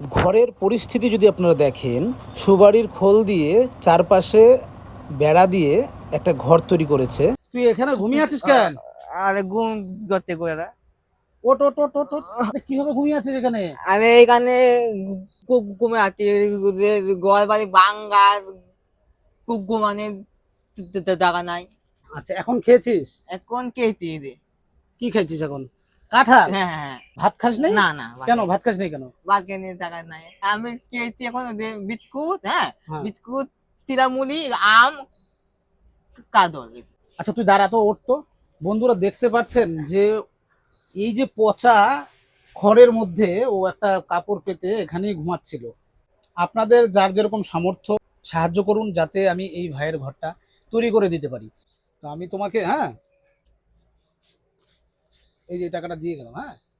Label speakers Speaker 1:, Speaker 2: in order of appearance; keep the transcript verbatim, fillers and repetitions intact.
Speaker 1: ঘরের পরিস্থিতি যদি আপনারা দেখেন, সুবাড়ির খোল দিয়ে চারপাশে বেড়া দিয়ে একটা ঘর তৈরি করেছে। তুই এখানে ঘুমিয়ে আছিস কেন?
Speaker 2: আরে ঘুম করতে করে না।
Speaker 1: ওট ওট ওট ওট ওট। আরে কিভাবে ঘুমিয়ে আছিস এখানে?
Speaker 2: আমি এখানে ঘু- ঘুমে আছি, ঘর বাড়ি ভাঙ্গা, ঘু- ঘুমানে জায়গা নাই।
Speaker 1: আচ্ছা, এখন খেয়েছিস?
Speaker 2: এখন খেয়েছি রে।
Speaker 1: কি খেয়েছিস এখন? কাঁঠাল?
Speaker 2: হ্যাঁ হ্যাঁ হ্যাঁ।
Speaker 1: ভাত খাস নাই?
Speaker 2: না না,
Speaker 1: কেন ভাত খাস নাই কেন?
Speaker 2: ভাত খেয়ে নিয়ে টাকা নাই। আমি খেয়েছি এখন ওদের বিস্কুট, হ্যাঁ
Speaker 1: হ্যাঁ।
Speaker 2: বিস্কুট, চিরামুলি, আম, কাদল।
Speaker 1: আচ্ছা তুই দাঁড়া তো, ওঠ তো। বন্ধুরা দেখতে পাচ্ছেন যে এই যে পচা খড়ের মধ্যে ও একটা কাপড় পেতে এখানেই ঘুমাচ্ছিল। আপনাদের যার যেরকম সামর্থ্য সাহায্য করুন, যাতে আমি এই ভাইয়ের ঘরটা তৈরি করে দিতে পারি। তো আমি তোমাকে, হ্যাঁ, এই যে টাকাটা দিয়ে গেলাম, হ্যাঁ।